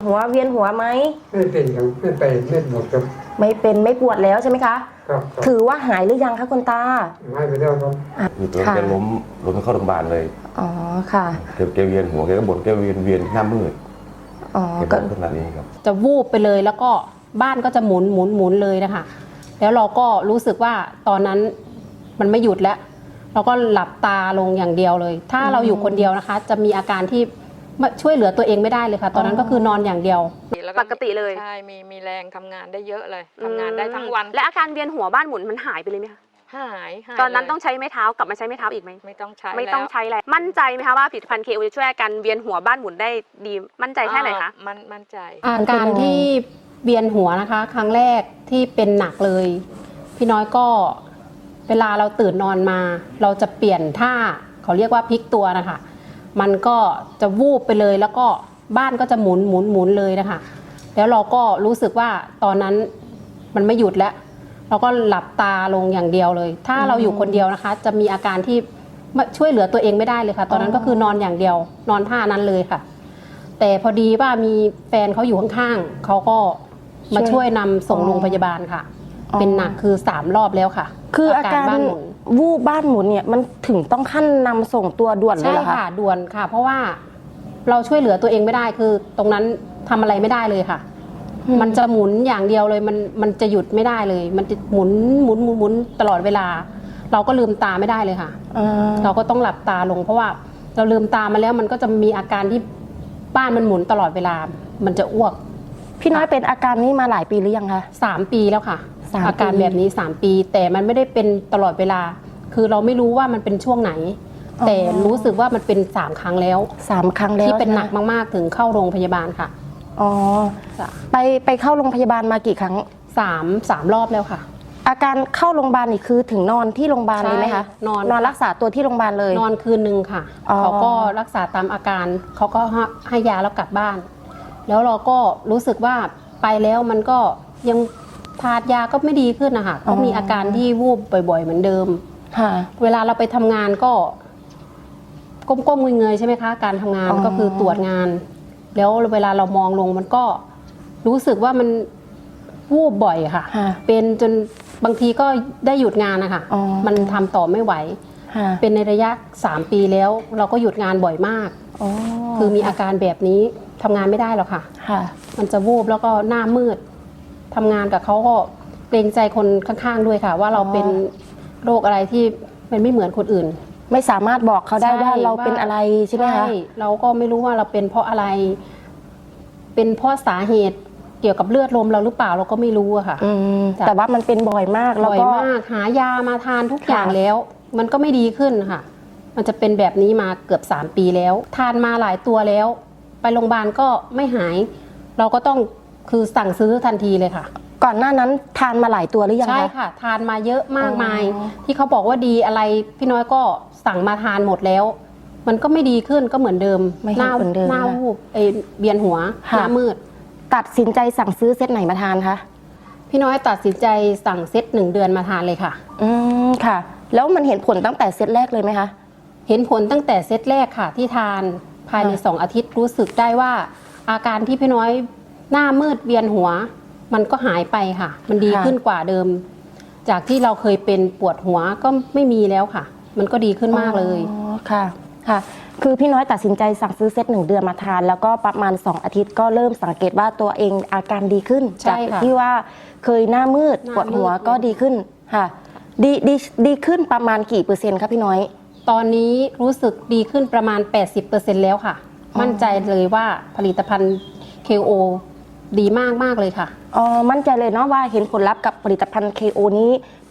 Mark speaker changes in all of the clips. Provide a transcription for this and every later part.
Speaker 1: หัวเวียนหัวไหม
Speaker 2: ไม่เป็นครับไม่ไปไม่ปวดครับ
Speaker 1: ไม่เป็นไม่ปวดแล้วใช่ไหมคะ
Speaker 2: ครับ
Speaker 1: ถือว่าหายหรือยังคะคุณตา
Speaker 2: หายไปแล้วครับ
Speaker 3: คือตัวแกล้มเข้าโรงพยาบาลเลย
Speaker 1: อ๋อค่ะ
Speaker 3: แกเวียนหัวแกก็บ่นแกเวียนหน้ามืด
Speaker 1: อ๋อ
Speaker 3: ก็ขนาดนี้ครับ
Speaker 4: จะวูบไปเลยแล้วก็บ้านก็จะหมุนเลยนะคะแล้วเราก็รู้สึกว่าตอนนั้นมันไม่หยุดแล้วเราก็หลับตาลงอย่างเดียวเลยถ้าเราอยู่คนเดียวนะคะจะมีอาการที่ช่วยเหลือตัวเองไม่ได้เลยค่ะตอนนั้นก็คือนอนอย่างเดียว
Speaker 1: ปกติเลย
Speaker 5: ใช่มีแรงทำงานได้เยอะเลยทำงานได้ทั้งวัน
Speaker 1: และอาการเวียนหัวบ้านหมุนมันหายไปเลยไหมคะ
Speaker 5: หาย
Speaker 1: ตอนนั้นต้องใช้ไม้เท้ากลับมาใช้ไม้เท้าอีกไหม
Speaker 5: ไม่ต้องใช้
Speaker 1: แล้วมั่นใจไหมคะว่าผลิตภัณฑ์ KO จะช่วยอาการเวียนหัวบ้านหมุนได้ดีมั่นใจแค่ไหนคะ
Speaker 5: มั่นใจ
Speaker 4: อาการที่เวียนหัวนะคะครั้งแรกที่เป็นหนักเลยพี่น้อยก็เวลาเราตื่นนอนมาเราจะเปลี่ยนท่าเขาเรียกว่าพลิกตัวนะคะมันก็จะวูบไปเลยแล้วก็บ้านก็จะหมุนเลยนะคะแล้วเราก็รู้สึกว่าตอนนั้นมันไม่หยุดแล้วเราก็หลับตาลงอย่างเดียวเลยถ้าเราอยู่คนเดียวนะคะจะมีอาการที่ช่วยเหลือตัวเองไม่ได้เลยค่ะตอนนั้นก็คือนอนอย่างเดียวนอนท่านั้นเลยค่ะแต่พอดีว่ามีแฟนเขาอยู่ข้างๆเขาก็มาช่วยนำส่งโรงพยาบาลค่ะเป็นหนักคือ3 รอบแล้วค่ะ
Speaker 1: คืออาการวูบบ้านหมุนเนี่ยมันถึงต้องขั้นนำส่งตัวด่วนเลยเหรอคะ
Speaker 4: ใช่ค่ะด่วนค่ะเพราะว่าเราช่วยเหลือตัวเองไม่ได้คือตรงนั้นทำอะไรไม่ได้เลยค่ะมันจะหมุนอย่างเดียวเลยมันจะหยุดไม่ได้เลยมันจะหมุนตลอดเวลาเราก็ลืมตาไม่ได้เลยค่ะเราก็ต้องหลับตาลงเพราะว่าเราลืมตามาแล้วมันก็จะมีอาการที่บ้านมันหมุนตลอดเวลามันจะอ้วก
Speaker 1: พี่น้อยเป็นอาการนี้มาหลายปีหรือยังคะ
Speaker 4: 3 ปีแล้วค่ะอาการแบบนี้3 ปีแต่มันไม่ได้เป็นตลอดเวลาคือเราไม่รู้ว่ามันเป็นช่วงไหนแต่รู้สึกว่ามันเป็น3 ครั้งแล้ว
Speaker 1: 3 ครั้งแล้ว
Speaker 4: ที่เป็นหนักมากๆถึงเข้าโรงพยาบาลค่ะ
Speaker 1: อ๋อไปเข้าโรงพยาบาลมากี่ครั้ง
Speaker 4: 3 รอบแล้วค่ะ
Speaker 1: อาการเข้าโรงพยาบาลนี่คือถึงนอนที่โรงพยาบาลเลยไหมคะนอนรักษาตัวที่โรงพยาบาลเลย
Speaker 4: นอนคืนนึงค่ะเขาก็รักษาตามอาการเขาก็ให้ยาแล้วกลับบ้านแล้วเราก็รู้สึกว่าไปแล้วมันก็ยังทานยาก็ไม่ดีขึ้นนะคะก็มีอาการที่วูบบ่อยๆเหมือนเดิมเวลาเราไปทำงานก็ก้มๆเงยๆใช่ไหมคะการทำงานก็คือตรวจงานแล้วเวลาเรามองลงมันก็รู้สึกว่ามันวูบบ่อยค่ะเป็นจนบางทีก็ได้หยุดงานนะคะมันทำต่อไม่ไหวเป็นในระยะ3 ปีแล้วเราก็หยุดงานบ่อยมากคือมีอาการแบบนี้ทำงานไม่ได้หรอกค่ะมันจะวูบแล้วก็หน้ามืดทำงานกับเขาก็เกรงใจคนข้างๆด้วยค่ะว่าเราเป็นโรคอะไรที่มันไม่เหมือนคนอื่น
Speaker 1: ไม่สามารถบอกเขาได้ว่าเราเป็นอะไรใช่ไหมคะ
Speaker 4: เราก็ไม่รู้ว่าเราเป็นเพราะอะไรเป็นเพราะสาเหตุเกี่ยวกับเลือดลมเราหรือเปล่าเราก็ไม่รู้อะค่ะ
Speaker 1: แต่ว่ามันเป็นบ่อยมาก
Speaker 4: บ่อยมากหายามาทานทุกอย่างแล้วมันก็ไม่ดีขึ้นค่ะมันจะเป็นแบบนี้มาเกือบ3 ปีแล้วทานมาหลายตัวแล้วไปโรงพยาบาลก็ไม่หายเราก็ต้องคือสั่งซื้อทันทีเลยค่ะ
Speaker 1: ก่อนหน้านั้นทานมาหลายตัวหรือยังคะ
Speaker 4: ใช่ค่ะทานมาเยอะมากมายที่เขาบอกว่าดีอะไรพี่น้อยก็สั่งมาทานหมดแล้วมันก็ไม่ดีขึ้นก็เหมือนเดิมหน้าวูบเวียนหัวหน้ามืด
Speaker 1: ตัดสินใจสั่งซื้อเซตไหนมาทานคะ
Speaker 4: พี่น้อยตัดสินใจสั่งเซต1 เดือนมาทานเลยค่ะ
Speaker 1: ค่ะแล้วมันเห็นผลตั้งแต่เซตแรกเลยไหมคะ
Speaker 4: เห็นผลตั้งแต่เซตแรกค่ะที่ทานภายใน2 อาทิตย์รู้สึกได้ว่าอาการที่พี่น้อยหน้ามืดเวียนหัวมันก็หายไปค่ะมันดีขึ้นกว่าเดิมจากที่เราเคยเป็นปวดหัวก็ไม่มีแล้วค่ะมันก็ดีขึ้นมากเลย
Speaker 1: ค่ะคือพี่น้อยตัดสินใจสั่งซื้อเซต1 เดือนมาทานแล้วก็ประมาณ2 อาทิตย์ก็เริ่มสังเกตว่าตัวเองอาการดีขึ้นจากที่ว่าเคยหน้ามืดปวดหัวก็ดีขึ้นค่ะดีขึ้นประมาณกี่เปอร์เซ็นต์ครับพี่น้อย
Speaker 4: ตอนนี้รู้สึกดีขึ้นประมาณ 80% แล้วค่ะมั่นใจเลยว่าผลิตภัณฑ์ KO ดีมากเลยค่ะ
Speaker 1: มั่นใจเลยเนาะว่าเห็นผลลัพธ์กับผลิตภัณฑ์ KO นี้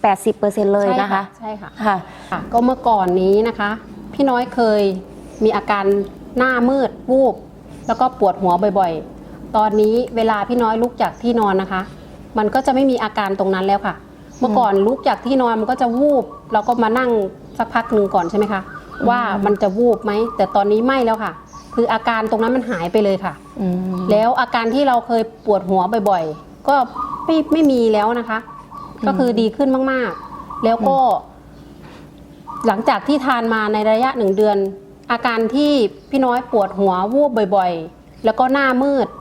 Speaker 1: 80% เลยนะคะ
Speaker 4: ใช่ค่ะก็เมื่อก่อนนี้นะคะพี่น้อยเคยมีอาการหน้ามืดวูบแล้วก็ปวดหัวบ่อยๆตอนนี้เวลาพี่น้อยลุกจากที่นอนนะคะมันก็จะไม่มีอาการตรงนั้นแล้วค่ะเมื่อก่อนลุกจากที่นอนมันก็จะวูบเราก็มานั่งสักพักหนึ่งก่อนใช่ไหมคะว่ามันจะวูบไหมแต่ตอนนี้ไม่แล้วค่ะคืออาการตรงนั้นมันหายไปเลยค่ะแล้วอาการที่เราเคยปวดหัวบ่อยๆก็ไม่มีแล้วนะคะก็คือดีขึ้นมากๆแล้วก็หลังจากที่ทานมาในระยะ1 เดือนอาการที่พี่น้อยปวดหัววูบบ่อยๆแล้วก็หน้ามืด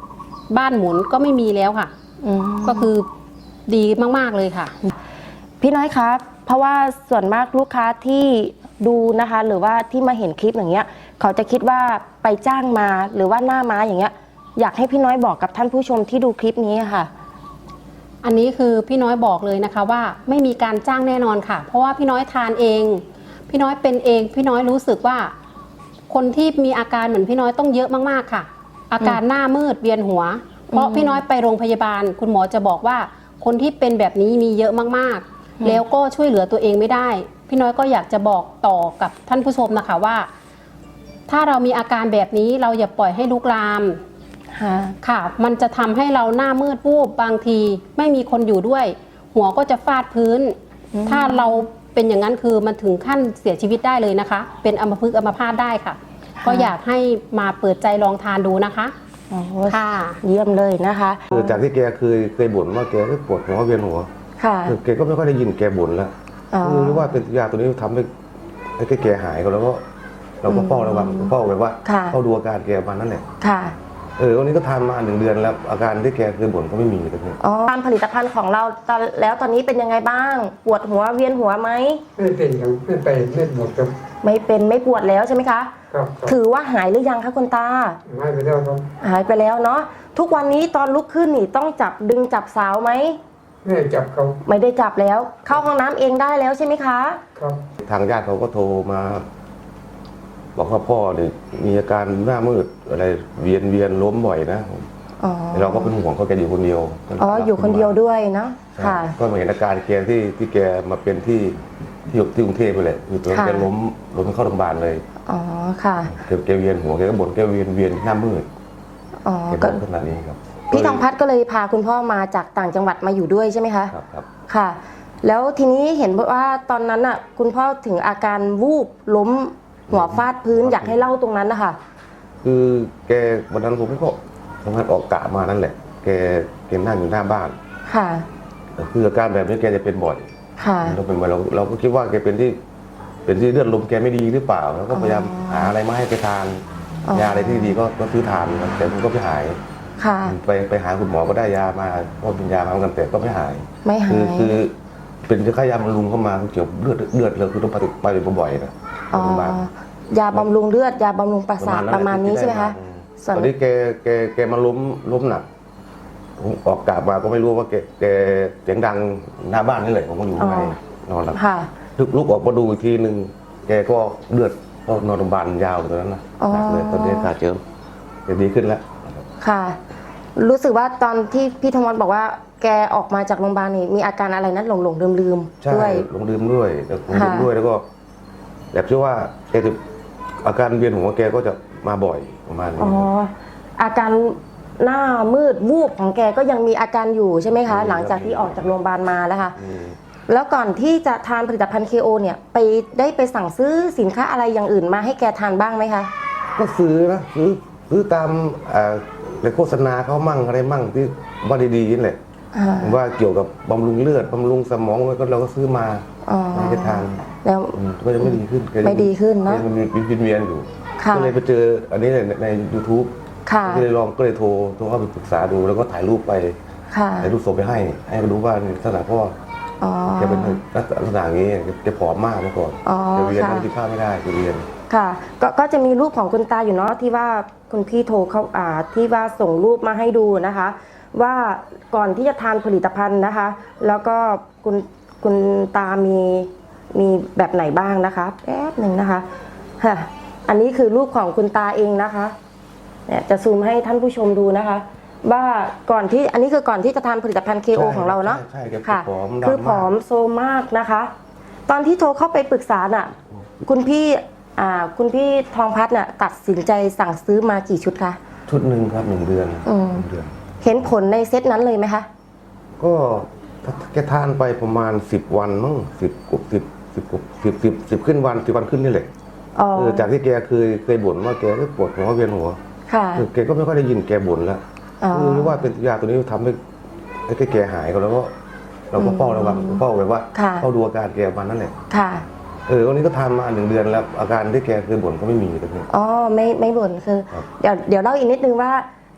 Speaker 4: บ้านหมุนก็ไม่มีแล้วค่ะ ก็คือดีมากๆเลยค่ะ
Speaker 1: พี่น้อยครับเพราะว่าส่วนมากลูกค้าที่ดูนะคะ หรือว่าที่มาเห็นคลิปอย่างเงี้ยเขาจะคิดว่าไปจ้างมาหรือว่าหน้าม้าอย่างเงี้ยอยากให้พี่น้อยบอกกับท่านผู้ชมที่ดูคลิปนี้ค่ะ
Speaker 4: อันนี้คือพี่น้อยบอกเลยนะคะว่าไม่มีการจ้างแน่นอนค่ะ เพราะว่าพี่น้อยทานเอง พี่น้อยเป็นเองพี่น้อยรู้สึกว่า คนที่มีอาการเหมือนพี่น้อยต้องเยอะมากๆค่ะ อาการหน้ามืดเวียนหัว เพราะพี่น้อยไปโรงพยาบาล คุณหมอจะบอกว่าคนที่เป็นแบบนี้มีเยอะมากๆ แล้วก็ช่วยเหลือตัวเองไม่ได้ พี่น้อยก็อยากจะบอกต่อกับท่านผู้ชมนะคะว่า ถ้าเรามีอาการแบบนี้เราอย่าปล่อยให้ลุกลามค่ะ มันจะทำให้เราหน้ามืดวูบบางทีไม่มีคนอยู่ด้วย หัวก็จะฟาดพื้น ถ้าเราเป็นอย่างนั้นคือมันถึงขั้นเสียชีวิตได้เลยนะคะ เป็นอัมพฤกษ์อัมพาตได้ค่ะ ก็อยากให้มาเปิดใจลองทานดูนะคะค่ะ
Speaker 1: เยี่ยมเลยนะคะ
Speaker 3: คือจากที่แกเคยบ่นว่าแกปวดหัวเวียนหัว
Speaker 1: ค่ะ
Speaker 3: คือแกก็ไม่ค่อยได้ยินแกบ่นแล้วคือรู้ว่าเป็นยาตัวนี้ทำให้แกหายก็แล้วก็เราก็เฝ้าระวังเฝ้าแบบว่าเฝ้าดูอาการแกมานั่นแหละ
Speaker 1: ค่ะ
Speaker 3: วันนี้ก็ทานมา1 เดือนแล้วอาการที่แกเคยบ่นก็ไม่มีเลยที
Speaker 1: ตามผลิตภัณฑ์ของเราแล้วตอนนี้เป็นยังไงบ้าง ปวดหัวเวียนหัวไหม
Speaker 2: ไม่เป็นครับไม่ไปไม่หมดครับ
Speaker 1: ไม่เป็นไม่ปวดแล้วใช่ไหมคะ
Speaker 2: ครับ
Speaker 1: ถือว่าหายหรือยังคะคุณตา
Speaker 2: ให้ไปแล้วครับ
Speaker 1: หายไปแล้วเนาะทุกวันนี้ตอนลุกขึ้นนี่ต้องจับดึงจับสาวไหม
Speaker 2: ไม่ได้จับเขา
Speaker 1: ไม่ได้จับแล้ว เข้าห้องน้ำเองได้แล้วใช่ไหมคะ
Speaker 2: ครับ
Speaker 3: ทางญาติเขาก็โทรมา บอกว่าพ่อเนี่ยมีอาการหน้ามืดอะไรเวียนล้มบ่อยนะ
Speaker 1: อ๋อ
Speaker 3: เราก็เป็นห่วงเขาแกอยู่คนเดียว
Speaker 1: อ๋ออยู่คนเดียวด้วยเนาะ
Speaker 3: ใช่
Speaker 1: ค่ะ
Speaker 3: ก็มาเห็นอาการแกที่แกมาเป็นที่กรุงเทพไปเลยคือตอนนั้น
Speaker 1: ค่ะ
Speaker 3: แกล้มเข้าโรงพยาบาลเลย
Speaker 1: อ๋อค่ะ
Speaker 3: แกเวียนหัวแกก็บ่นแกเวียนหน้ามืด
Speaker 1: อ๋อ
Speaker 3: แก
Speaker 1: ก็
Speaker 3: บ่นขนาดนี้ครับ
Speaker 1: พี่ทองพัฒน์ก็เลยพาคุณพ่อมาจากต่างจังหวัดมาอยู่ด้วยใช่ไหมคะ
Speaker 3: ครับ
Speaker 1: ค่ะ แล้วทีนี้เห็นว่าตอนนั้นอ่ะคุณพ่อถึงอาการวูบล้มหัวฟาดพื้นอยากให้เล่าตรงนั้นนะคะ
Speaker 3: คือแกวันนั้นผมก็ทำงานออกกะมานั่นแหละ แกนั่งอยู่หน้าบ้าน
Speaker 1: ค่ะ
Speaker 3: คืออาการแบบนี้แกจะเป็นบ่อย
Speaker 1: ค่ะ
Speaker 3: เราเป็นบ่อยเราก็คิดว่าแกเป็นที่เลือดลมแกไม่ดีหรือเปล่าแล้วก็พยายามหาอะไรมาให้แกทาน
Speaker 1: อ๋อ
Speaker 3: ยาอะไรที่ดีก็ซื้อทานครับแต่มันก็ไม่หาย
Speaker 1: ค่ะ
Speaker 3: ไปหาคุณหมอก็ได้ยามาก็เป็นยามาเหมือนกันแต่ก็ไม่หาย
Speaker 1: ไม่หาย
Speaker 3: คือเป็นค่ายาบำรุงเข้ามาเกี่ยวเลือดเราคือต้องไปบ่อยๆนะ
Speaker 1: อ๋อ
Speaker 3: โรงพยาบาล
Speaker 1: ยาบำรุงเลือดยาบำรุงประสาทประมาณนี้ใช่ไหมคะ ส่วน
Speaker 3: ตอนนี้แกมาล้มหนักผมออกกาบมาก็ไม่รู้ว่าแกเสียงดังหน้าบ้านนี่แหละผมก็อยู่ข้างในนอนหลับ
Speaker 1: ค่ะ
Speaker 3: ลุกออกมาดูอีกทีหนึ่งแกก็เลือดก็นอนโรงพยาบาลยาวเลยตอนนั้นนะ
Speaker 1: อ๋อ
Speaker 3: หนักเลยตอนนี้อาการเจิมแกดีขึ้นแล้ว
Speaker 1: ค่ะ รู้สึกว่าตอนที่พี่ธมรบอกว่าแกออกมาจากโรงพยาบาลนี่มีอาการอะไรนั้นหลงลืม
Speaker 3: ใช่
Speaker 1: ด้วย
Speaker 3: ลงดื่มด้วยแล้วลงดื่ม
Speaker 1: ค่ะ
Speaker 3: ด้วยแล้วก็แบบเชื่อว่าแกจะอาการเวียนหัวแกก็จะมาบ่อยประมาณนี้
Speaker 1: อ๋อ อาการหน้ามืดวูบของแกก็ยังมีอาการอยู่ใช่ไหมคะ หลังจากที่ออกจากโรงพยาบาลมาแล้วค่ะ
Speaker 3: อืม
Speaker 1: แล้วก่อนที่จะทานผลิตภัณฑ์ KO เนี่ยได้ไปสั่งซื้อสินค้าอะไรอย่างอื่นมาให้แกทานบ้างไหมคะ
Speaker 3: ก็ซื้อนะซื้อตามในโฆษณาเขามั่งอะไรมั่งที่ว่าดีๆนี่แหละ
Speaker 1: อ่า
Speaker 3: ว่าเกี่ยวกับบำรุงเลือดบำรุงสมองแล้วก็เราก็ซื้อมา
Speaker 1: อ๋อ
Speaker 3: ให้แกทาน
Speaker 1: แล้ว
Speaker 3: ก็ยังไม่ดีขึ้นแกยัง
Speaker 1: ไม่ดีขึ้นเนอะ
Speaker 3: แกยังเวียนอยู่
Speaker 1: ค่ะ
Speaker 3: ก็เลยไปเจออันนี้ใน YouTube
Speaker 1: ค่ะ
Speaker 3: ก็เลยโทรเข้าไปปรึกษาดูแล้วก็ถ่ายรูปไป
Speaker 1: ค่ะ
Speaker 3: ถ่ายรูปส่งไปให้เขาดูว่าในลักษณะพ่อ
Speaker 1: อ๋อ
Speaker 3: แกเป็นลักษณะอย่างนี้แกผอมมากเมื่อก่อน
Speaker 1: อ๋อ
Speaker 3: แกเวียน
Speaker 1: ค่ะ
Speaker 3: กินข้าวไม่ได้แกเวียน
Speaker 1: ค่ะก็จะมีรูปของคุณตาอยู่เนาะที่ว่าคุณพี่โทรเข้าที่ว่าส่งรูปมาให้ดูนะคะ ว่าก่อนที่จะทานผลิตภัณฑ์นะคะ แล้วก็คุณตามีแบบไหนบ้างนะคะแป๊บหนึ่งนะคะค่ะอันนี้คือรูปของคุณตาเองนะคะเนี่ยจะซูมให้ท่านผู้ชมดูนะคะ ว่าก่อนที่อันนี้คือก่อนที่จะทานผลิตภัณฑ์ KO
Speaker 3: ใช่
Speaker 1: ของเราเนาะ
Speaker 3: ใช่แก
Speaker 1: ค่ะ
Speaker 3: ผอมดำมาก
Speaker 1: คือผอมโซมมากนะคะ ตอนที่โทรเข้าไปปรึกษาน่ะคุณพี่ทองพัฒน์น่ะตัดสินใจสั่งซื้อมากี่ชุดคะ
Speaker 3: ชุดหนึ่งครับ1 เดือน
Speaker 1: อืม
Speaker 3: 1 เดือน
Speaker 1: เห็นผลในเซตนั้นเลยไหมคะ
Speaker 3: ก็แกทานไปประมาณ10 วันมั้ง10 ขึ้นวัน10 วันขึ้นนี่แหละ
Speaker 1: อ๋อ
Speaker 3: จากที่แกเคยบ่นว่าแกปวดหัวเวียนหัว
Speaker 1: ค่ะ
Speaker 3: แกก็ไม่ค่อยได้ยินแกบ่นแล้ว
Speaker 1: อ๋อ
Speaker 3: คือรู้ว่าเป็นยาตัวนี้ทำให้แกหายก็แล้วก็เราก็เฝ้าระวังเฝ้าแบบว่า
Speaker 1: ค่ะ
Speaker 3: เฝ้าดูอาการแกมานั่นแหละ
Speaker 1: ค่ะ
Speaker 3: วันนี้ก็ทานมา1 เดือนแล้วอาการที่แกเคยบ่นก็ไม่มีเลยเนี่ย
Speaker 1: อ๋อไม่บ่นคือ
Speaker 3: ครับ
Speaker 1: เดี๋ยวเล่าอีกนิดนึงว่า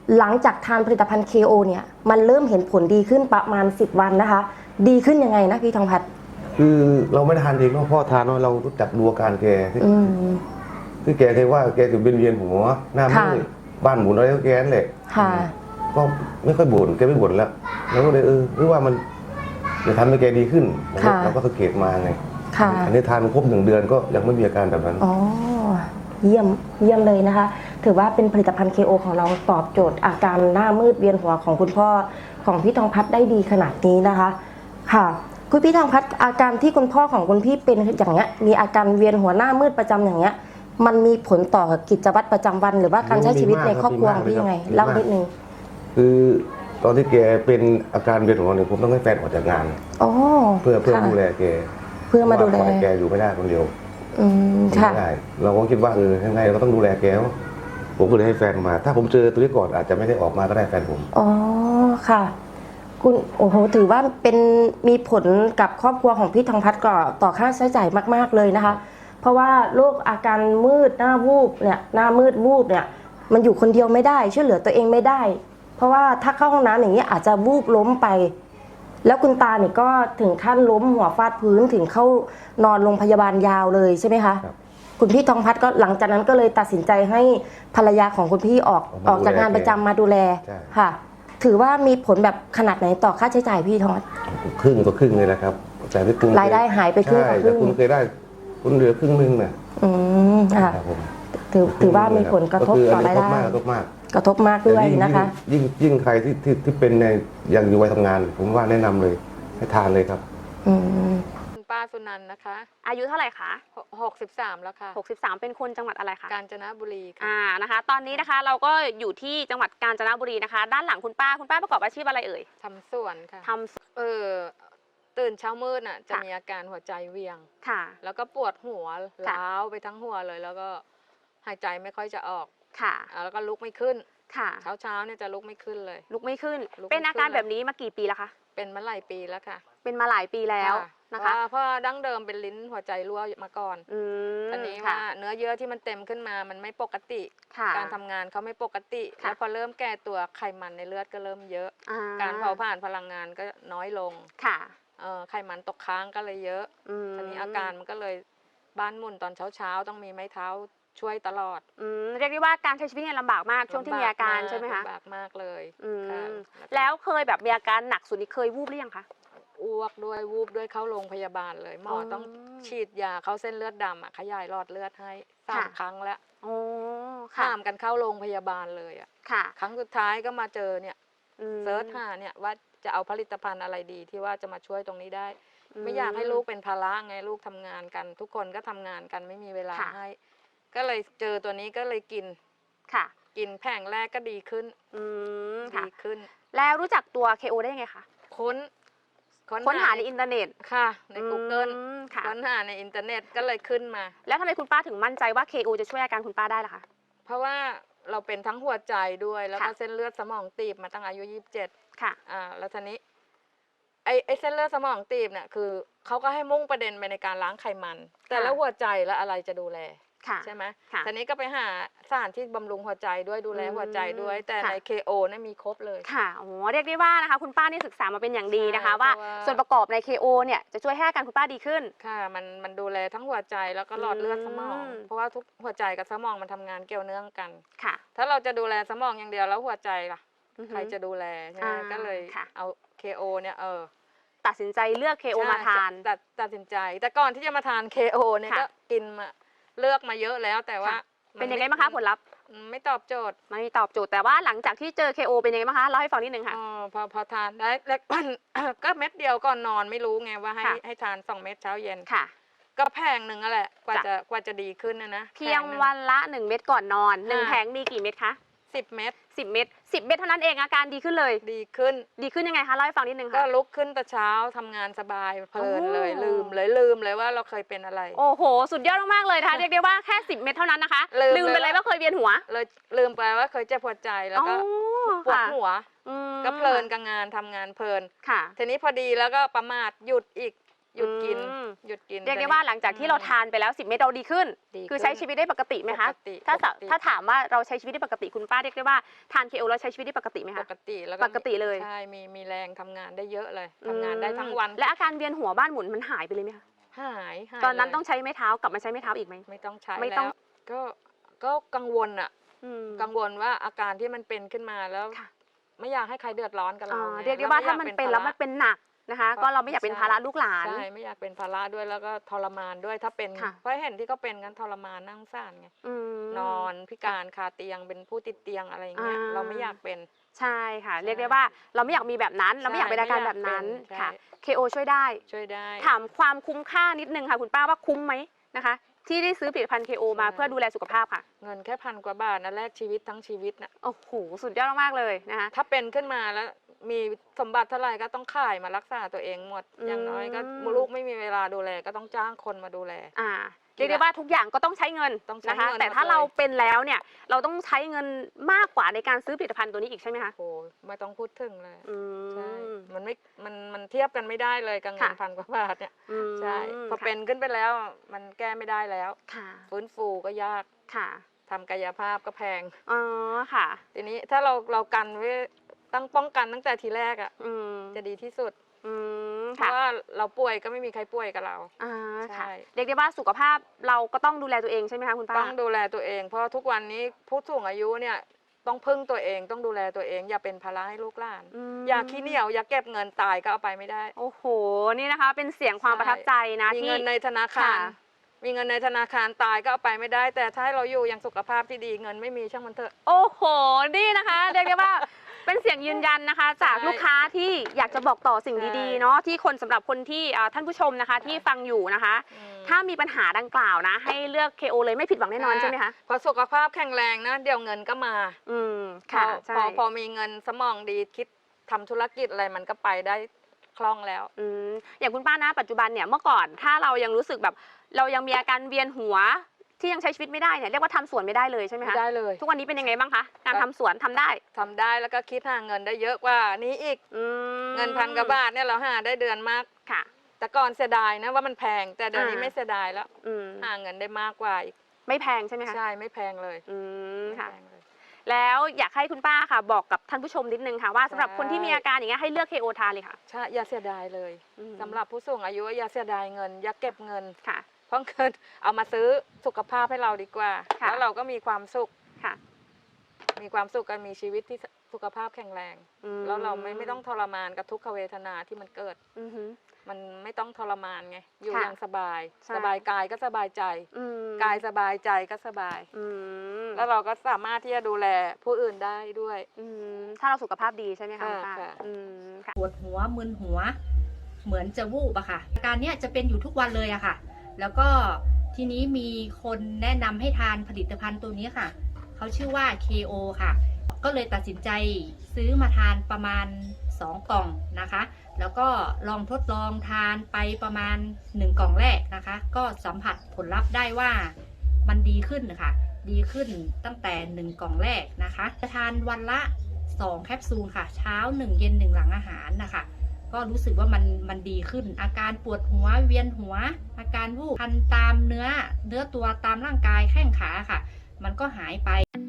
Speaker 1: หลังจากทานผลิตภัณฑ์ KO เนี่ยมันเริ่มเห็นผลดีขึ้นประมาณ10 วันนะคะดีขึ้นยังไงนะพี่ทองพัด
Speaker 3: คือเราไม่ได้ทานเองเนาะพ่อทานเนาะเรารู้จักดูอาการแกที่แกเคยว่าแกจะเวียนหัวหน้ามืดบ้านหมุนอะไรก็แกนั่นแหละก็ไม่ค่อยบ่นแกไม่บ่นแล้วเราก็เลยหรือว่ามันจะทำให้แกดีขึ้นเราก็สังเกตมาไงอันนี้ทานครบ1 เดือนก็ยังไม่มีอาการแบบนั้น
Speaker 1: อ๋อเยี่ยมเลยนะคะถือว่าเป็นผลิตภัณฑ์ KO ของเราตอบโจทย์อาการหน้ามืดเวียนหัวของคุณพ่อของพี่ทองพัดได้ดีขนาดนี้นะคะค่ะคุณพี่ทองพัดอาการที่คุณพ่อของคุณพี่เป็นอย่างเงี้ยมีอาการเวียนหัวหน้ามืดประจำอย่างเงี้ยมันมีผลต่อกิจวัตรประจำวันหรือว่าการใช้ชีวิตในครอบครัวของพี่ยังไงเล่านิดนึง
Speaker 3: คือตอนที่แกเป็นอาการเวียนหัวเนี่ยผมต้องให้แฟนออกจากงานเพื่อดูแลแก
Speaker 1: เพื่อมาดูแล
Speaker 3: แกอยู่ไม่ได้คนเดียว
Speaker 1: ค่ะ
Speaker 3: ไม่ได้เราก็คิดว่ายังไงเราต้องดูแลแกผมก็เลยให้แฟนมาถ้าผมเจอตัวนี้ก่อนอาจจะไม่ได้ออกมาก็ได้แฟนผม
Speaker 1: อ๋อค่ะคุณโอ้โหถือว่าเป็นมีผลกับครอบครัวของพี่ทองพัดก็ต่อค่าใช้จ่ายมากๆเลยนะคะเพราะว่าโรคอาการมืดหน้าวูบเนี่ยหน้ามืดวูบเนี่ยมันอยู่คนเดียวไม่ได้ช่วยเหลือตัวเองไม่ได้เพราะว่าถ้าเข้าห้องน้ำอย่างนี้อาจจะวูบล้มไปแล้วคุณตาเนี่ยก็ถึงขั้นล้มหัวฟาดพื้นถึงเข้านอนโรงพยาบาลยาวเลยใช่ไหมคะคุณพี่ทองพัดก็หลังจากนั้นก็เลยตัดสินใจให้ภรรยาของคุณพี่ออกจากงานประจำมาดูแลค่ะถือว่ามีผลแบบขนาดไหนต่อค่าใช้จ่ายพี่ทองพัด
Speaker 3: ครึ่งต่อครึ่งเลยนะครับแต่ที่คุณ
Speaker 1: รายได้หายไปครึ่งต่อครึ่ง
Speaker 3: คุณเคยได้คุณเหลือครึ่งนึงน่ะ
Speaker 1: ค่ะถือว่ามีผลกระทบต่อรายได้กระทบมากด้วยนะคะ
Speaker 3: ยิ่งใครที่เป็นในยังอยู่วัยทำงานผมว่าแนะนำเลยให้ทานเลยครับ
Speaker 5: คุณป้าสุนันท์นะคะ
Speaker 6: อายุเท่าไหร่คะ
Speaker 5: 63แล้วค่ะ
Speaker 6: 63เป็นคนจังหวัดอะไรคะ
Speaker 5: กาญจนบุรีค่ะ
Speaker 6: นะคะตอนนี้นะคะเราก็อยู่ที่จังหวัดกาญจนบุรีนะคะด้านหลังคุณป้าประกอบอาชีพอะไรเอ่ย
Speaker 5: ทำสวนค่ะตื่นเช้ามืดน่ะจะมีอาการหัวใจเวียง
Speaker 6: ค่ะ
Speaker 5: แล้วก็ปวดหัวล้าวไปทั้งหัวเลยแล้วก็หายใจไม่ค่อยจะออก
Speaker 6: ค่ะ
Speaker 5: แล้วก็ลุกไม่ขึ้น
Speaker 6: ค่ะ
Speaker 5: เช้าเนี่ยจะลุกไม่ขึ้นเลย
Speaker 6: ลุกไม่ขึ้นเป็นอาการแบบนี้มากี่ปีแล้วคะ
Speaker 5: เป็นมาหลายปีแล้วค่ะ
Speaker 6: เป็นมาหลายปีแล้วนะคะ
Speaker 5: เพราะดั้งเดิมเป็นลิ้นหัวใจรั่วมาก่อนตอนนี้ว่าเนื้อเยื่อที่มันเต็มขึ้นมามันไม่ปกติการทำงานเขาไม่ปกติแล้วพอเริ่มแก่ตัวไขมันในเลือดก็เริ่มเยอะการเผาผลาญพลังงานก็น้อยลง
Speaker 6: ค่ะ
Speaker 5: ไขมันตกค้างก็เลยเยอะตอนนี้อาการมันก็เลยบ้านหมุนตอนเช้าต้องมีไม้เท้าช่วยตลอด
Speaker 6: เรียกได้ว่าการใช้ชีวิตเนี่ยลำบากมากช่วงที่มีอาการใช่ไหมคะ
Speaker 5: ลำบากมากเลย
Speaker 6: แล้วเคยแบบมีอาการหนักสุดนี่เคยวูบหรือยังคะ
Speaker 5: อ้วกด้วยวูบด้วยเข้าโรงพยาบาลเลยหมอต้องฉีดยาเข้าเส้นเลือดดำขยายหลอดเลือดให้3 ครั้งแล้วข้ามกันเข้าโรงพยาบาลเลยครั้งสุดท้ายก็มาเจอเนี่ยเซิร์ชหาเนี่ยว่าจะเอาผลิตภัณฑ์อะไรดีที่ว่าจะมาช่วยตรงนี้ได้ไม่อยากให้ลูกเป็นภาระไงลูกทำงานกันทุกคนก็ทำงานกันไม่มีเวลาให้ก็เลยเจอตัวนี้ก็เลยกินกินแผงแรกก็ดีขึ้นดีขึ้น
Speaker 6: แล้วรู้จักตัว KO ได้ยังไงคะค้นหาในอินเทอร์เน็ต
Speaker 5: ค่ะใน Google ค้นหาในอินเทอร์เน็ตก็เลยขึ้นมา
Speaker 6: แล้วทำไมคุณป้าถึงมั่นใจว่า KO จะช่วยอาการคุณป้าได้ล่ะคะ
Speaker 5: เพราะว่าเราเป็นทั้งหัวใจด้วยแล้วก็เส้นเลือดสมองตีบมาตั้งอายุ27
Speaker 6: ค่ะ
Speaker 5: แล้วทีนี้ไอ้เส้นเลือดสมองตีบเนี่ยคือเขาก็ให้มุ่งประเด็นไปในการล้างไขมันแต่แล้วหัวใจแล้วอะไรจะดูแลใช่ไหมทีนี้ก็ไปหาสารที่บำรุงหัวใจด้วยดูแลหัวใจด้วยแต่ใน KO เนี่ยมีครบเลย
Speaker 6: ค่ะโอ้เรียกได้ว่านะคะคุณป้านี่ศึกษามาเป็นอย่างดีนะคะว่าส่วนประกอบใน KO เนี่ยจะช่วยให้อาการคุณป้าดีขึ้น
Speaker 5: ค่ะมันดูแลทั้งหัวใจแล้วก็หลอดเลือดสมองเพราะว่าทุกหัวใจกับสมองมันทำงานเกี่ยวเนื่องกัน
Speaker 6: ค่ะ
Speaker 5: ถ้าเราจะดูแลสมองอย่างเดียวแล้วหัวใจล่ะใครจะดูแลก็เลยเอา KO เนี่ย
Speaker 6: ตัดสินใจเลือก KO มาทาน
Speaker 5: ตัดสินใจแต่ก่อนที่จะมาทาน KO เนี่ยก็กินมาเลือกมาเยอะแล้วแต่ว่า
Speaker 6: เป็นยังไงบ้างคะผลลัพธ์
Speaker 5: ไม่ตอบโจทย์
Speaker 6: ไม่ตอบโจทย์แต่ว่าหลังจากที่เจอ KO เป็นยังไงบ้างคะเล่าให้ฟังนิดนึงค่ะ
Speaker 5: พอทานได้แล้วก็เม็ดเดียวก่อนนอนไม่รู้ไงว่าให้ทาน2 เม็ดเช้าเย็น
Speaker 6: ค่ะ
Speaker 5: ก็แผงหนึ่งนั่นแหละกว่าจะดีขึ้นนะ
Speaker 6: เพียงวันละ1 เม็ดก่อนนอน1 แผงมีกี่เม็ดคะ
Speaker 5: 10 เม็ด
Speaker 6: 10 เม็ดเท่านั้นเองอาการดีขึ้นเลย
Speaker 5: ดีขึ้น
Speaker 6: ยังไงคะเล่าให้ฟังนิดนึงค่ะ
Speaker 5: ก็ลุกขึ้นแต่เช้าทำงานสบายเพลินเลยลืมเลยว่าเราเคยเป็นอะไร
Speaker 6: โอ้โหสุดยอดมากๆเลยนะคะเรียกได้ว่าแค่10 เม็ดเท่านั้นนะคะลืมไปเลยว่าเคยเวียนหัว
Speaker 5: เลยลืมไปว่าเคยเจ็บปวดใจแล้วก็ปวดหัวก็เพลินกับงานทำงานเพลินทีนี้พอดีแล้วก็ประมาทหยุดหยุดกิน
Speaker 6: อืม
Speaker 5: หยุดกิน
Speaker 6: เรียกได้ว่าหลังจากที่เราทานไปแล้ว10 เม็ดเราดีขึ้น
Speaker 5: ดีขึ้น
Speaker 6: คือใช้ชีวิตได้ปกติไหมคะ
Speaker 5: ปกติ
Speaker 6: ถ้าถามว่าเราใช้ชีวิตได้ปกติคุณป้าเรียกได้ว่าทาน KO แล้วใช้ชีวิตได้ปกติไหม
Speaker 5: ป
Speaker 6: คะ
Speaker 5: กติแล้ว
Speaker 6: ปกติเลย
Speaker 5: ใช่มีแรงทำงานได้เยอะเลยทำงานได้ทั้งวัน
Speaker 6: และอาการเวียนหัวบ้านหมุนมันหายไปเลยไหมคะ
Speaker 5: หาย
Speaker 6: ตอนนั้น
Speaker 5: เลย
Speaker 6: ต้องใช้ไม้เท้ากลับมาใช้ไม้เท้าอีกไหม
Speaker 5: ไม่ต้องใช้
Speaker 6: ไม่ต้อง
Speaker 5: แล้วก็กังวลอะ
Speaker 6: อืม
Speaker 5: กังวลว่าอาการที่มันเป็นขึ้นมาแล้ว
Speaker 6: ค่ะ
Speaker 5: ไม่อยากให้ใครเดือดร้อนกับเรา
Speaker 6: อ่า
Speaker 5: ไง
Speaker 6: เรียกได้ว่าถ้ามันเป็นแล้ว
Speaker 5: ภ
Speaker 6: มันเป็นหนักนะคะ ก็เราไม่อยากเป็นภาระลูกหลาน
Speaker 5: ใช่ไม่อยากเป็นภาระด้วยแล้วก็ทรมานด้วยถ้าเป็น
Speaker 6: ค่ะ
Speaker 5: เพราะเห็นที่เขาเป็นกันทรมานนั่งซ่านไง
Speaker 6: อืม
Speaker 5: นอนพิการคาเตียงเป็นผู้ติดเตียงอะไรอย่างเงี้ย
Speaker 6: อ่า
Speaker 5: เราไม่อยากเป็น
Speaker 6: ใช่ค่ะ
Speaker 5: ใช่
Speaker 6: เรียกได้ว่าเราไม่อยากมีแบบนั้น เราไม่อยากเป็นอาการแบบนั้น
Speaker 5: ใช่
Speaker 6: ค่ะ KO ช่วยได้
Speaker 5: ช่วยได้
Speaker 6: ถามความคุ้มค่านิดนึงค่ะคุณป้าว่าคุ้มไหมนะคะ ที่ได้ซื้อผลิตภัณฑ์ KO มาเพื่อดูแลสุขภาพค่ะ
Speaker 5: เงินแค่1,000 กว่าบาทนะแลกชีวิตทั้งชีวิตนะ
Speaker 6: โอ้โหสุดยอดมากๆเลยนะคะ
Speaker 5: ถ้าเป็นขึ้นมาแล้วมีสมบัติเท่าไหร่ก็ต้องขายมารักษาตัวเองหมด
Speaker 6: อืม
Speaker 5: อย่างน้อยก็ลูกไม่มีเวลาดูแลก็ต้องจ้างคนมาดูแล
Speaker 6: เรียกได้ว่าทุกอย่างก็ต้องใช้เงิน
Speaker 5: ต้องใช้
Speaker 6: นะคะ
Speaker 5: เงิน
Speaker 6: แต่ถ้า
Speaker 5: หมดเลย
Speaker 6: เราเป็นแล้วเนี่ยเราต้องใช้เงินมากกว่าในการซื้อผลิตภัณฑ์ตัวนี้อีกใช่ไหมคะ
Speaker 5: โอ้ไม่ต้องพูดถึงเลย
Speaker 6: อื
Speaker 5: ใช่
Speaker 6: ม
Speaker 5: มันเทียบกันไม่ได้เลยกับเงิน
Speaker 6: ค่ะ
Speaker 5: 1,000 กว่าบาทเนี่ย
Speaker 6: อืม
Speaker 5: ใช่พอ
Speaker 6: ค่ะ
Speaker 5: เป็นขึ้นไปแล้วมันแก้ไม่ได้แล้ว
Speaker 6: ค่ะ
Speaker 5: ฟื้นฟูก็ยาก
Speaker 6: ค่ะ
Speaker 5: ทำกายภาพก็แพง
Speaker 6: อ๋อค่ะ
Speaker 5: ทีนี้ถ้าเรากันไว้ตั้งป้องกันตั้งแต่ทีแรกอ่ะ
Speaker 6: อืม
Speaker 5: จะดีที่สุด
Speaker 6: อืม
Speaker 5: เพ
Speaker 6: ค่ะ
Speaker 5: ราะว่าเราป่วยก็ไม่มีใครป่วยกับเรา
Speaker 6: อ่า
Speaker 5: ใช่
Speaker 6: ค่ะเรียกได้ว่าสุขภาพเราก็ต้องดูแลตัวเองใช่ไหมคะคุณป้า
Speaker 5: ต้องดูแลตัวเอง เพราะทุกวันนี้ผู้สูงอายุเนี่ยต้องพึ่งตัวเองต้องดูแลตัวเอง อย่าเป็นภาระให้ลูกหลาน
Speaker 6: ม
Speaker 5: อย่าขี้เหนียวอย่าเก็บเงินตายก็เอาไปไม่ได้
Speaker 6: โอ้โหนี่นะคะ เป็นเสียงความประทับใจนะ
Speaker 5: มี
Speaker 6: ที่
Speaker 5: เงินในธนาคาร
Speaker 6: ค่ะ
Speaker 5: มีเงินในธนาคารตายก็เอาไปไม่ได้ แต่ถ้าให้เราอยู่อย่างสุขภาพที่ดีเงินไม่มีช่างมันเถอะ
Speaker 6: โอ้โห นี่นะคะ เรียกได้ว่าเป็นเสียงยืนยันนะคะ จาก
Speaker 5: ใช่
Speaker 6: ลูกค้าที่อยากจะบอกต่อสิ่ง
Speaker 5: ใช่
Speaker 6: ดีๆเนาะที่คนสำหรับคนที่ท่านผู้ชมนะคะ ที่ฟังอยู่นะคะ
Speaker 5: อืม
Speaker 6: ถ้ามีปัญหาดังกล่าวนะ ให้เลือก KO เลยไม่ผิดหวังแน่นอนใช่ไหมคะ
Speaker 5: พอสุขภาพแข็งแรงนะเดี๋ยวเงินก็มา
Speaker 6: อืมค่ะ ใช่
Speaker 5: พอมีเงินสมองดีคิดทำธุรกิจอะไรมันก็ไปได้คล่องแล้ว
Speaker 6: อืมอย่างคุณป้านะปัจจุบันเนี่ยเมื่อก่อนถ้าเรายังรู้สึกแบบเรายังมีอาการเวียนหัวที่ยังใช้ชีวิตไม่ได้เนี่ยเรียกว่าทำสวนไม่ได้เลยใช่ไหม
Speaker 5: ไม่
Speaker 6: คะ
Speaker 5: ได้เลย
Speaker 6: ทุกวันนี้เป็นยังไงบ้างคะการทำสวนทำได้
Speaker 5: ทำได้แล้วก็คิดหาเงินได้เยอะกว่านี้อีก
Speaker 6: อืม
Speaker 5: เงิน1,000 กว่าบาทเนี่ยเราหาได้เดือนมาก
Speaker 6: ค่ะ
Speaker 5: แต่ก่อนเสียดายนะว่ามันแพง แต่เดี๋ยวนี้
Speaker 6: อ่า
Speaker 5: ไม่เสียดายแล้ว
Speaker 6: อืม
Speaker 5: หาเงินได้มากกว่าอีก
Speaker 6: ไม่แพงใช่ไหมคะ
Speaker 5: ใช่ไม่แพงเลย
Speaker 6: อืม
Speaker 5: ไม่
Speaker 6: ค่ะ
Speaker 5: แพงเลย
Speaker 6: แล้วอยากให้คุณป้าค่ะ บอกกับท่านผู้ชมนิดนึงค่ะว่าสำหรับ
Speaker 5: ใช่
Speaker 6: คนที่มีอาการอย่างเงี้ยให้เลือก KO ทานเลยค่ะ
Speaker 5: ใช่อย่าเสียดายเลย
Speaker 6: อืม
Speaker 5: สำหรับผู้สูงอายุอย่าเสียดายเงิน อย่าเก็บเงิน
Speaker 6: ค่ะ
Speaker 5: เพราะเงินเอามาซื้อสุขภาพให้เราดีกว่า
Speaker 6: ค่ะ
Speaker 5: แล้วเราก็มีความสุข
Speaker 6: ค่ะ
Speaker 5: มีความสุขกันมีชีวิตที่สุขภาพแข็งแรง
Speaker 6: อืม
Speaker 5: แล้วเราไม่ต้องทรมานกับทุกขเวทนาที่มันเกิด
Speaker 6: อือฮึ
Speaker 5: มันไม่ต้องทรมานไง อยู่
Speaker 6: ค่ะ
Speaker 5: อย่างสบาย
Speaker 6: ใช่
Speaker 5: สบายกายก็สบายใจ
Speaker 6: อืม
Speaker 5: กายสบายใจก็สบาย
Speaker 6: อืม
Speaker 5: แล้วเราก็สามารถที่จะดูแลผู้อื่นได้ด้วย
Speaker 6: อืมถ้าเราสุขภาพดีใช่ไหมคะ
Speaker 5: ค่ะ
Speaker 6: คุณป้า
Speaker 5: ค่ะ
Speaker 6: อืมค่ะ
Speaker 7: ปวดหัวมึนหัว เหมือนจะวูบอะค่ะอาการเนี้ยจะเป็นอยู่ทุกวันเลยอะค่ะ แล้วก็ทีนี้มีคนแนะนำให้ทานผลิตภัณฑ์ตัวนี้ค่ะเขาชื่อว่า KO ค่ะ ก็เลยตัดสินใจซื้อมาทานประมาณ2 กล่องนะคะ แล้วก็ลองทดลองทานไปประมาณ1 กล่องแรกนะคะ ก็สัมผัสผลลัพธ์ได้ว่ามันดีขึ้นค่ะ ดีขึ้นตั้งแต่1 กล่องแรกนะคะจะทานวันละ2 แคปซูลค่ะ เช้า1 เย็น1 หลังอาหารนะคะ ก็รู้สึกว่ามันดีขึ้น อาการปวดหัวเวียนหัว อาการวูบคันตามเนื้อตัวตามร่างกายแข้งขาค่ะ มันก็หายไป